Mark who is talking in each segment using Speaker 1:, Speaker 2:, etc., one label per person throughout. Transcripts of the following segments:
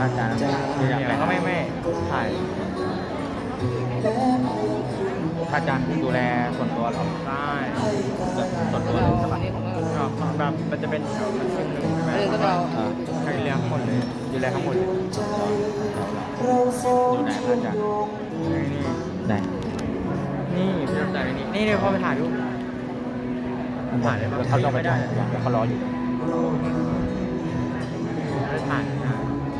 Speaker 1: ระอาจารย์ที่อยาก
Speaker 2: เดี๋
Speaker 1: ไป
Speaker 2: ยวก็ไม่ถ่าย
Speaker 1: พระอาจารย์ดูแลส่วนตัวเหรอ
Speaker 2: ได้
Speaker 1: ส่วนตัวเลยใช่ปะ
Speaker 2: แบบมันจะเป็นแถวมันซึ่งหนึ่งใช่ไหม
Speaker 3: ก็เรา
Speaker 2: ใครเลี้ยงหมดเลยดูแลทั้งหมดเลย
Speaker 1: อยู่ไหนพระอาจารย์ ไหน
Speaker 2: นี่พี่รถจ่ายนี่เดี๋ยวพ่อไปถ่ายรูปถ่ายเลยปะ
Speaker 1: เขาต้องไป
Speaker 2: ไม่ได้
Speaker 1: เขารออยู่
Speaker 2: ไม่ถ่ายนะ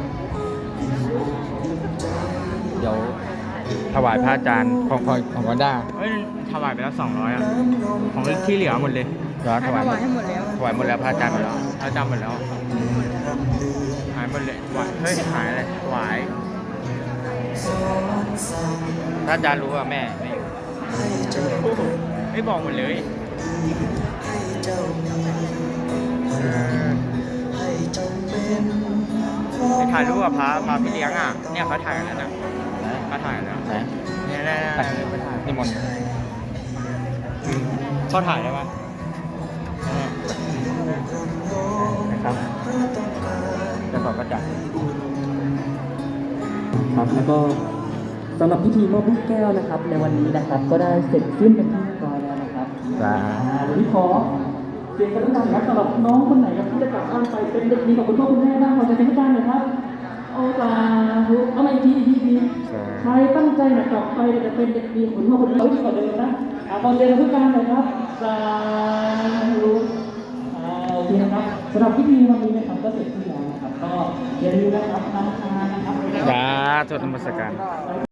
Speaker 1: เดี๋ยวถวายพระอาจารย์ของวันด้า
Speaker 2: เอ้ยถวายไปแล้ว200อ่ะของที่เหลือหมดเลย
Speaker 1: เดี๋ยวถวาย
Speaker 3: ให้หมดแล้ว
Speaker 1: ถวายหมดแล้วพระอาจารย์หมดแล้ว
Speaker 2: เราจำหมดแล้วหายหมดเลยเฮ้ยหายอะไรหวาย
Speaker 1: พระอาจารย์รู้ว่าแม่ไม่อยู่
Speaker 2: ไม่บอกหมดเลยไปถ่ายรูปกับพระพี่เลี้ยงอ่ะเนี่ยเขาถ่ายกันแล้วนะเขาถ่ายแล้ว
Speaker 1: ไหน
Speaker 2: เนี่ย
Speaker 1: ไปนิมนต์
Speaker 2: เขาถ่ายได้ปะ
Speaker 1: นะครับแล้วขอพระอาจารย์
Speaker 4: ครับแล้วก็สำหรับพิธีมอบลูกแก้วนะครับ ในวันนี้นะครับ ก็ได้เสร็จสิ้นเป็นที่เรียบร้อยแล้วนะครับ เดี๋ยวพี่ขอเสียงกรุณาครับสำหรับน้องคนไหนครับที่จะกลับบ้านไปเป็นเด็กดีของคุณพ่อคุณแม่บ้างขอจะเป็นผู้การหน่อยครับโอ้สาธุเอามาอีกทีใครตั้งใจนะกลับไปจะเป็นเด็กดีของคุณพ่อคุณแม่ที่กว่าเดิมนะขอเสียงผู้การหน่อยครับสาธุโอเคนะครับสำหรับพิธีวันนี้นะครับก็เสร็จสิ้นแล้วนะครับก็อย่าลืมนะครับนำทานนะครับ
Speaker 1: สาธุนมัสการ